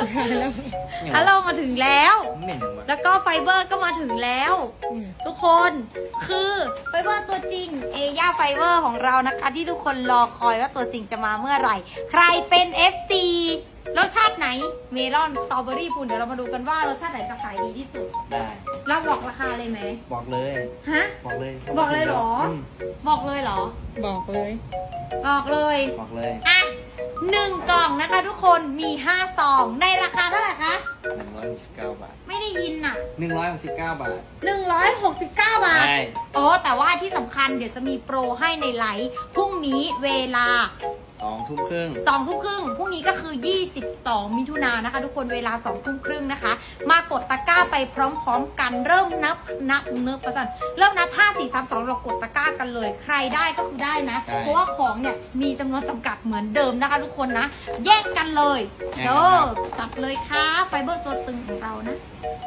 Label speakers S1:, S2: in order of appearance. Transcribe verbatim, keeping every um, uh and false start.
S1: ฮัลโหลมาถึงแล้ว
S2: เหม็นว่ะ
S1: แล้วก็ไฟเบอร์ก็มาถึงแล้ว ทุกคนคือไฟเบอร์ตัวจริงเอย่าไฟเบอร์ของเรานะคะที่ทุกคนรอคอยว่าตัวจริงจะมาเมื่อไหร่ ใครเป็น เอฟ ซี รสชาติไหนเมลอนสตรอเบอรี่พูนเดี๋ยวเรามาดูกันว่ารสชาติไหนจะขายดีที่สุด
S2: ได้
S1: เราบอกราคาเลยไหม
S2: บอกเลย
S1: ฮะ
S2: บอกเลย
S1: บอกเลยเหรอ
S2: ม
S1: บอกเลยเหรอ
S3: บอกเลย
S1: บอกเลย
S2: บอกเลย
S1: อ่ะหนึ่งกล่องนะคะทุกคนมีห้าซองในราคาเท่าไหร่คะ
S2: หนึ่งร้อยหกสิบเก้าบาท
S1: ไม่ได้ยินอ่ะ
S2: หนึ่งร้อยหกสิบเก้าบาท
S1: หนึ่งร้อยหกสิบเก้าบาท
S2: ใช่
S1: โอ้แต่ว่าที่สำคัญเดี๋ยวจะมีโปรให้ในไลฟ์พรุ่งนี้เวลา
S2: สองทุ่มครึ่ง
S1: สองทุ่มครึ่งพรุ่งนี้ก็คือยี่สิบสองมิถุนายนนะคะทุกคนเวลาสองทุ่มครึ่งนะคะ มากดตะกร้าไปพร้อมๆกันเริ่มนับนับเนื้อประสันเริ่มนับห้า สี่ สาม สองเรากดตะกร้ากันเลย ใครได้ก็คือได้นะ เพราะว่าของเนี่ยมีจำนวนจำกัดเหมือนเดิมนะคะทุกคนนะ แยกกันเลยเด้อจัดเลยค่ะไฟเบอร์ตัวตึงของเรานะ